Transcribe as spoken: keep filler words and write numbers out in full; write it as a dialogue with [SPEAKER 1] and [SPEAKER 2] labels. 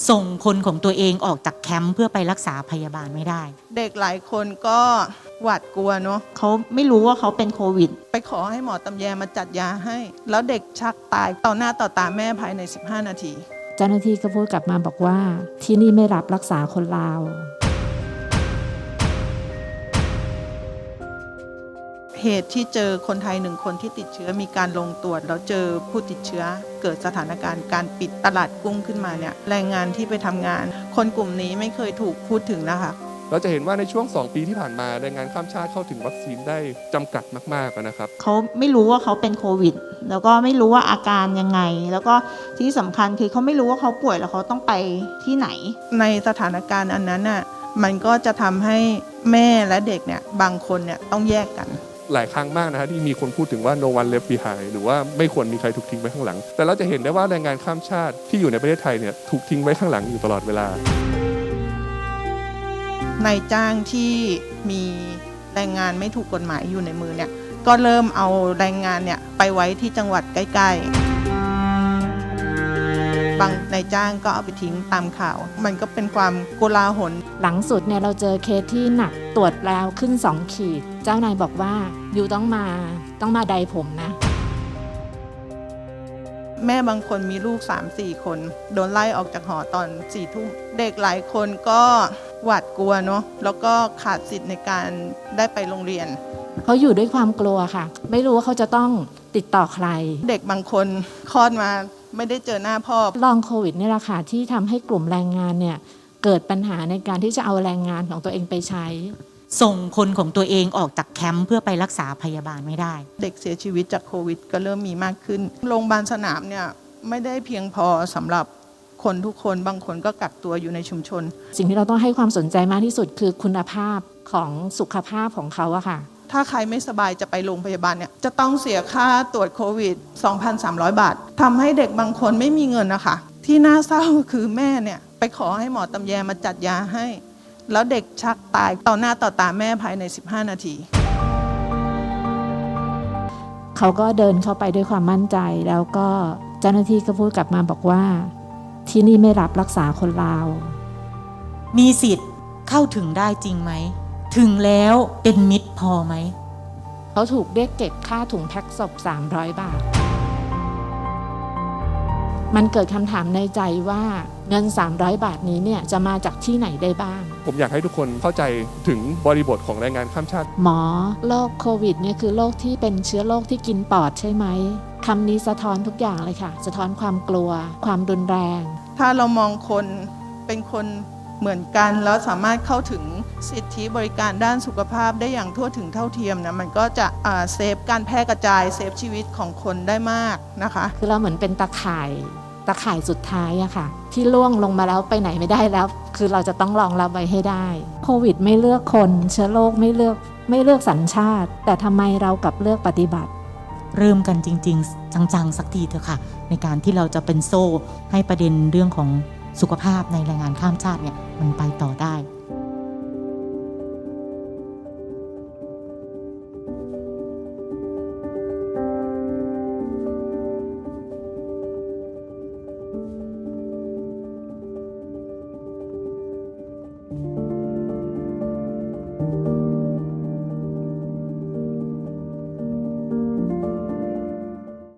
[SPEAKER 1] ส่งคนของตัวเองออกจากแคมป์เพื่อไปรักษาพยาบาลไม่ได้
[SPEAKER 2] เด็กหลายคนก็หวาดกลัวเนาะ
[SPEAKER 3] เขาไม่รู้ว่าเขาเป็นโควิด
[SPEAKER 2] ไปขอให้หมอตำแยมาจัดยาให้แล้วเด็กชักตายต่อหน้าต่อตาแม่ภายในสิบห้านาที
[SPEAKER 4] เจ้าหน้าที่ก็พูดกลับมาบอกว่าที่นี่ไม่รับรักษาคนลาว
[SPEAKER 2] เหตุที่เจอคนไทยหนึ่งคนที่ติดเชื้อมีการลงตรวจแล้วเจอผู้ติดเชื้อเกิดสถานการณ์การปิดตลาดกุ้งขึ้นมาเนี่ยแรงงานที่ไปทำงานคนกลุ่มนี้ไม่เคยถูกพูดถึงนะคะ
[SPEAKER 5] เราจะเห็นว่าในช่วงสองปีที่ผ่านมาแรงงานข้ามชาติเข้าถึงวัคซีนได้จำกัดมากๆนะครับ
[SPEAKER 3] เขาไม่รู้ว่าเขาเป็นโควิดแล้วก็ไม่รู้ว่าอาการยังไงแล้วก็ที่สำคัญคือเขาไม่รู้ว่าเขาป่วยแล้วเขาต้องไปที่ไหน
[SPEAKER 2] ในสถานการณ์อันนั้นน่ะมันก็จะทำให้แม่และเด็กเนี่ยบางคนเนี่ยต้องแยกกัน
[SPEAKER 5] หลายครั้งมากนะฮะที่มีคนพูดถึงว่า no one left behind หรือว่าไม่ควรมีใครถูกทิ้งไว้ข้างหลังแต่เราจะเห็นได้ว่าแรงงานข้ามชาติที่อยู่ในประเทศไทยเนี่ยถูกทิ้งไว้ข้างหลังอยู่ตลอดเวลานาย
[SPEAKER 2] จ้างที่มีแรงงานไม่ถูกกฎหมายอยู่ในมือเนี่ยก็เริ่มเอาแรงงานเนี่ยไปไว้ที่จังหวัดใกล้ๆบางนายจ้างก็เอาไปทิ้งตามข่าวมันก็เป็นความโกลาหล
[SPEAKER 4] หลังสุดเนี่ยเราเจอเคสที่หนักตรวจแล้วขึ้นสองขีดเจ้านายบอกว่าอยู่ต้องมาต้องมาใดผมนะ
[SPEAKER 2] แม่บางคนมีลูก สามสี่ คนโดนไล่ออกจากหอตอนสี่ทุ่มเด็กหลายคนก็หวาดกลัวเนาะแล้วก็ขาดสิทธิ์ในการได้ไปโรงเรียน
[SPEAKER 4] เขาอยู่ด้วยความกลัวค่ะไม่รู้ว่าเขาจะต้องติดต่อใคร
[SPEAKER 2] เด็กบางคนคลอดมาไม่ได้เจอหน้าพ่อ
[SPEAKER 4] ลองโควิดนี่แหละค่ะที่ทำให้กลุ่มแรงงานเนี่ยเกิดปัญหาในการที่จะเอาแรงงานของตัวเองไปใช้
[SPEAKER 1] ส่งคนของตัวเองออกจากแคมป์เพื่อไปรักษาพยาบาลไม่ได้
[SPEAKER 2] เด็กเสียชีวิตจากโควิดก็เริ่มมีมากขึ้นโรงพยาบาลสนามเนี่ยไม่ได้เพียงพอสำหรับคนทุกคนบางคนก็กักตัวอยู่ในชุมชน
[SPEAKER 4] สิ่งที่เราต้องให้ความสนใจมากที่สุดคือคุณภาพของสุขภาพของเขาอะค่ะ
[SPEAKER 2] ถ้าใครไม่สบายจะไปโรงพยาบาลเนี่ยจะต้องเสียค่าตรวจโควิด สองพันสามร้อย บาททำให้เด็กบางคนไม่มีเงินนะคะที่น่าเศร้าคือแม่เนี่ยไปขอให้หมอตำแยมาจัดยาให้แล้วเด็กชักตายต่อหน้าต่อตาแม่ภายในสิบห้านาที
[SPEAKER 4] เขาก็เดินเข้าไปด้วยความมั่นใจแล้วก็เจ้าหน้าที่ก็พูดกลับมาบอกว่าที่นี่ไม่รับรักษาคนลาว
[SPEAKER 1] มีสิทธิ์เข้าถึงได้จริงไหมถึงแล้วเป็นมิตรพอไหม
[SPEAKER 4] เขาถูกเรียกเก็บค่าถุงแพ็คศพสามร้อยบาทมันเกิดคำถามในใจว่าเงินสามร้อยบาทนี้เนี่ยจะมาจากที่ไหนได้บ้าง
[SPEAKER 5] ผมอยากให้ทุกคนเข้าใจถึงบริบทของแรงงานข้ามชาติ
[SPEAKER 4] หมอโรคโควิดเนี่ยคือโรคที่เป็นเชื้อโรคที่กินปอดใช่ไหมคำนี้สะท้อนทุกอย่างเลยค่ะสะท้อนความกลัวความรุนแรง
[SPEAKER 2] ถ้าเรามองคนเป็นคนเหมือนกันแล้วสามารถเข้าถึงสิทธิบริการด้านสุขภาพได้อย่างทั่วถึงเท่าเทียมนะมันก็จะเซฟการแพร่กระจายเซฟชีวิตของคนได้มากนะคะ
[SPEAKER 4] คือเราเหมือนเป็นตะข่ายตะข่ายสุดท้ายอะค่ะที่ล่วงลงมาแล้วไปไหนไม่ได้แล้วคือเราจะต้องรองรับไว้ให้ได้โควิดไม่เลือกคนเชื้อโรคไม่เลือกไม่เลือกสัญชาติแต่ทำไมเรากลับเลือกปฏิบัติ
[SPEAKER 1] เริ่มกันจริงๆจังๆสักทีเถอะค่ะในการที่เราจะเป็นโซ่ให้ประเด็นเรื่องของสุขภาพในแรงงานข้ามชาติเนี่ยมันไปต่อได้